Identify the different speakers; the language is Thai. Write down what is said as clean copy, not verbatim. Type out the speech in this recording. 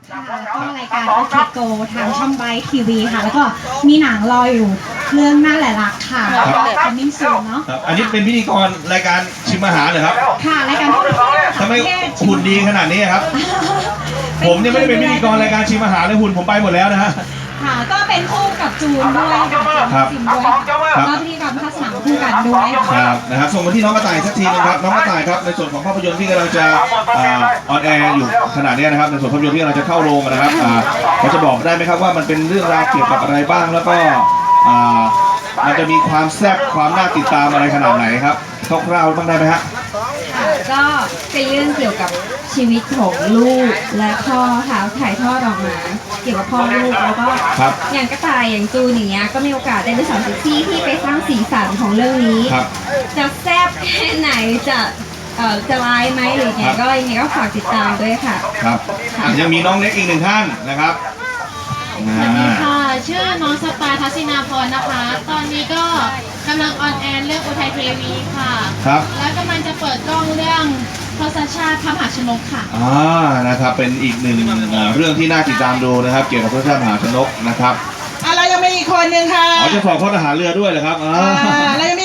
Speaker 1: แล้วก็รายการโอเคโกทางช่องไบทีวีค่ะแล้วก็มีหนังรออยู่เรื่องน่าแหละรักค่ะคอมมิ่งซูนเนาะ
Speaker 2: ครับอันนี้เป็นพิธีกรรายการชิมอาหารเหรอครับ
Speaker 1: ค่ะรายการท่องเที่ยวค่ะ
Speaker 2: ทำไม
Speaker 1: ประเภท
Speaker 2: หุ่นดีขนาดนี้ครับ ผมยังไม่ได้เป็นพิธีกรรายการชิมอาหารเลยหุ่นผมไปหมดแล้วนะฮะ
Speaker 1: ค่ะก็เป็นคู่กับจูนด้วยค่ะ
Speaker 2: ครับ
Speaker 1: จิมด้วยแล้วพิธีกรภาคสนามคู่กันด้วย
Speaker 2: ค
Speaker 1: ค่ะ
Speaker 2: รับนะครับส่งมาที่น้องกระต่ายสักทีนึงครับน้องกระต่ายครับในส่วนของภาพยนตร์ที่กำลังจะออนแอร์อยู่ขณะนี้นะครับในส่วนภาพยนตร์ที่กำลังจะเข้าโรงนะครับเราจะบอกได้ไหมครับว่ามันเป็นเรื่องราวเกี่ยวกับอะไรบ้างแล้วก็มันจะมีความแซ่บความน่าติดตามอะไรขนาดไหนครับคร่าวๆบ้างได้ไหมฮะ
Speaker 3: ก็เป็นเรื่องเกี่ยวกับชีวิตของลูกและพ่อค่ะถ่ายทอดออกมาเกี่ยวกับพ่อลูกแล้วก็
Speaker 2: ครับ
Speaker 3: อย่างกระต่ายอย่างจูนอย่างเงี้ยก็มีโอกาสได้ไปสอนเซ็กซี่ที่ไปสร้างสีสันของเรื่องนี้
Speaker 2: ครับ
Speaker 3: จะแซ่บแค่ไหนจะร้ายไหมหรือไงก็ยังไงก็ฝากติดตามด้วยค่ะ
Speaker 2: ครับยังมีน้องเล็กอีกหนึ่งท่านนะครับ
Speaker 4: สวัสดีค่ะ ชื่อน้องสปายทัศินาพรนะคะ ตอนนี้ก็กำลังออนแอร์เรื่องอุทัยเทวีค่ะ
Speaker 2: ครับ
Speaker 4: แล้วกำลังจะเปิดกล้องเรื่องทศชาติพระมหาชนกค่ะ
Speaker 2: นะครับเป็นอีกหนึ่งเรื่องที่น่าติดตามดูนะครับ เกี่ยวกับพระเจ้ามหาชนกนะครับ
Speaker 5: เรายังมีอีกคนนึงค่ะ
Speaker 2: อ๋อจะสอบข้อทหารเรือด้วยเหรอครับ
Speaker 5: เรายังมี